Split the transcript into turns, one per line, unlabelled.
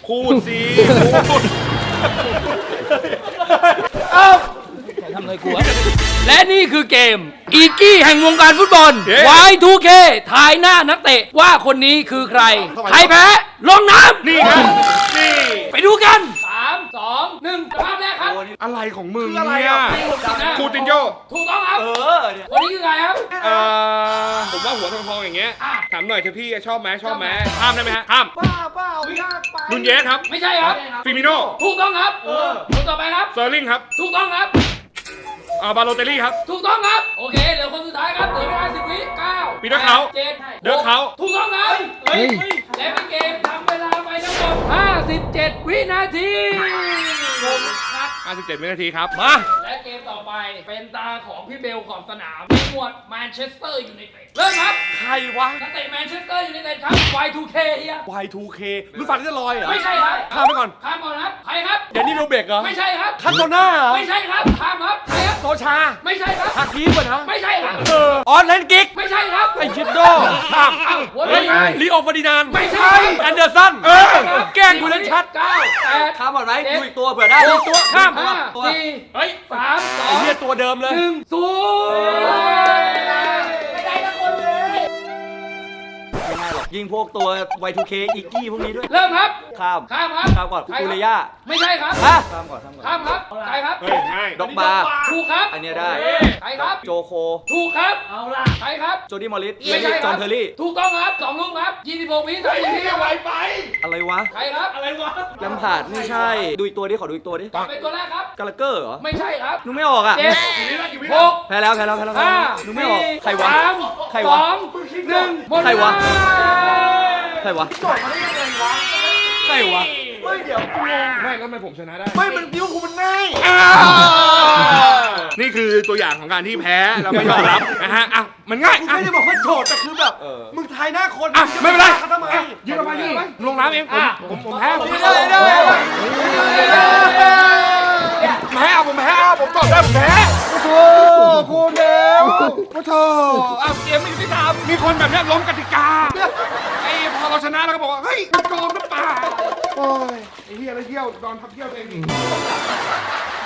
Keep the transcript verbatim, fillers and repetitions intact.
พูดสิพูด
เอ้าทำอะไรกูวะและนี่คือเกมอีกี้แห่งวงการฟุตบอล วาย ทู เค ทายหน้านักเตะว่าคนนี้คือใครใครแพ้ลงน้ำ
นี่ครับนี่
ไปดูกันสามสองหนึ่งภาพแรกครับ
อะไรของมึงเนี่ยคูตินโย
ถูกต้องครับ
เออเนี่ย
คนนี้คือใครครับ
เอ่อผมว่าหัวทองๆอย่างเงี้ยถามหน่อยเถอะพี่ชอบไหมชอบไหมห้ามได้ไหมฮะห้าม
บ้าเปล่ายากไป
นุนเยสครับ
ไม่ใช่ครับ
ฟิมิโน่
ถูกต้องครับคนต่อไปครับ
เซอร์ลิงครับ
ถูกต้องครับ
อ่าบาโลเตลลี่ครับ
ถูกต้องครับโอเคเหลือคนสุดท้ายครับเหลือเวลาสิบวิเก้า
ปีเตอร์เขา
เจ็ด
เดอร์เขา
ถูกต้องครับเฮ้ยและเป็นเกมทำเวลาไปทั้งหมดห้าสิบเจ็ดวินาทีผมคัด
ห้าสิบเจ็ดวินาทีครับ
มา และเกมต่อไปเป็นตาของพี่เบลขอบสนามในหมวดแมนเชสเตอร์ยูไนเต็ดเริ่มครับ
ใครวะ
นักเตะแมนเชสเตอร์ยูไนเต็ดครับ วาย ทู เค เฮีย
วาย ทู เค รู้ฟันที่จะลอยเหรอ
ไม่ใช่ครับ
ข้ามไปก่อน
ข้ามก่อนครับใครครับ
เดี๋ยวนี้โรเบกเหรอ
ไม่ใช่ครับ
คันโตน่าเหรอ
ไม่ใช่ครับข้ามครับใครครับ
โตชา
ไม่ใช่ครับ
ฮากีป่ะนะ
ไม่ใช่ครับ
เออออนแลนกิก
ไม่ใช่ครับ
ไอชิดโดข้าม
เอ้าหัว
เฮ้ย
เลย
ลีโอฟอร์ดินานด์
ไม่ใช่
แอนเดอร์สัน
เออ
แกล้งกูเล่นชัด
เก้าแปด
ข้ามก่อนไหม
เจ็ด
ดูอีกตัวเผื่อได้อีกตัวข้าม
ห้า
ตัว
สี่
เฮ้ย
สามสอ
ไอง เหี้ยตัวเดิมเลย
หนึ่งศูนย์ไม่ได้ละคนเลย
ไม่ง่ายหรอกยิงพวกตัว วาย ทู เค อีกกี้พวกนี้ด้วย
เริ่มครับ
ข้าม
ข้ามครับ
ข้ามก่อน
ใคร
กู
ครับ
เลย่า
ไม่ใช่ครับ
ฮะข้ามก่อนข้ามก่อน
ข้ามครับใครครับ
เฮ้ยง่าย
ด็อกบาร์
ถูกครับ
อันเนี้ยได้
ใครครับ
โจโค
ถูกครับ เอาล่ะใครครับ
โจดี้มอริส
ไม่ใช่
จ
ค
อ
รั
ห์นเทอร์รี่
ถูกต้องครับสองลูกครับยี่สิบหกวินาทีที่ไวไป
อะไรวะ
ใครครับ
อะไรวะ
แลมพาร์ดไม่ใช่ ดูอีกตัวดิ ขอดูอีกตัวดิ
เป็นตัวแรกครับ
กาลาเกอร์เหรอ
ไม่ใช่ครับ
นึกไม่ออกอ่ะ
เจ็ดหก
แพ้แล้วแพ้แล้วแพ้แล้วแพ้
ห้า
แล้วนึกไม่ออก ใครวะ
สาม
ใคร
ส
วะ
องหนึ่งหมด
ใครวะ
เา
ใครวะใครวะ
ไม่เดี๋ยวกูไม่แล้วทำไมผมชนะได้
ไม่มันดิวกูมันง่าย
นี่คือตัวอย่างของการที่แพ้เราไม่ยอมรับนะฮะอ่ะมันง่าย
กู
อ่ะ
ไม่ได้บอกว่าโจทย์แต่คือแบบ มึงทายหน้าคน
อ่ะไม่เป็นไร
ทำไม
ยืนออกมายืนออกมาลงน้ำเองผมผมผมแพ้ผม
ไม่
แพ้
ได้ไม่ได้
แพ้ผมแพ้ผมตอบได้ผมแพ้
โอ้โหคุณเดว
โอ้โถอ้าวเกมไม่ยุติธรรมมีคนแบบเนี้ยล้มกติกาไอ้พอเราชนะแล้วก็บอกว่าเฮ้ยมันโกงหรือเปล่าโอ้ยไอ้เหี้ยไอ้เที่ยวนอนพับเที่ยวเอง